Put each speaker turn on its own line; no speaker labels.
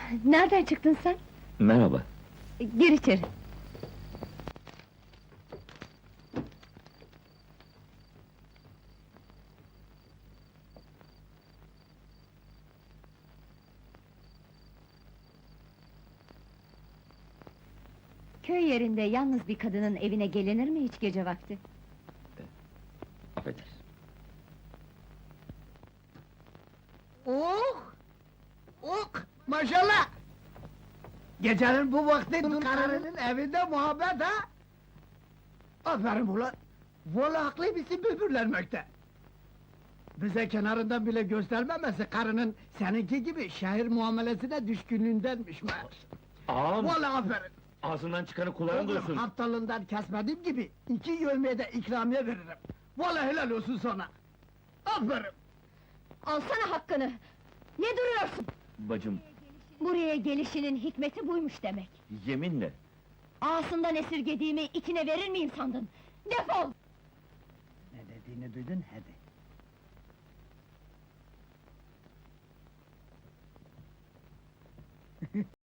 Nereden çıktın sen?
Merhaba.
Gir içeri. Köy yerinde yalnız bir kadının evine gelinir mi hiç gece vakti?
Affedersin.
Oh! Oh! Maşallah! Gecenin bu vakti dul karının evinde muhabbet ha? Aferin ulan! Vallahi haklı bizi böbürlenmekte! Bize kenarından bile göstermemesi karının seninki gibi şehir muamelesine düşkünlüğündenmiş meğer.
Ağam,
Vallahi aferin!
ağzından çıkanı kulağın
Oğlum,
duysun.
haftalığından kesmediğim gibi 2 yövmeye de ikramiye veririm. Vallahi helal olsun sana! Aferin!
Alsana hakkını! Ne duruyorsun?
Bacım,
Buraya gelişinin hikmeti buymuş demek.
yeminle.
Ağasından esirgediğimi içine verir miyim sandın? Defol!
Ne dediğini duydun, hadi!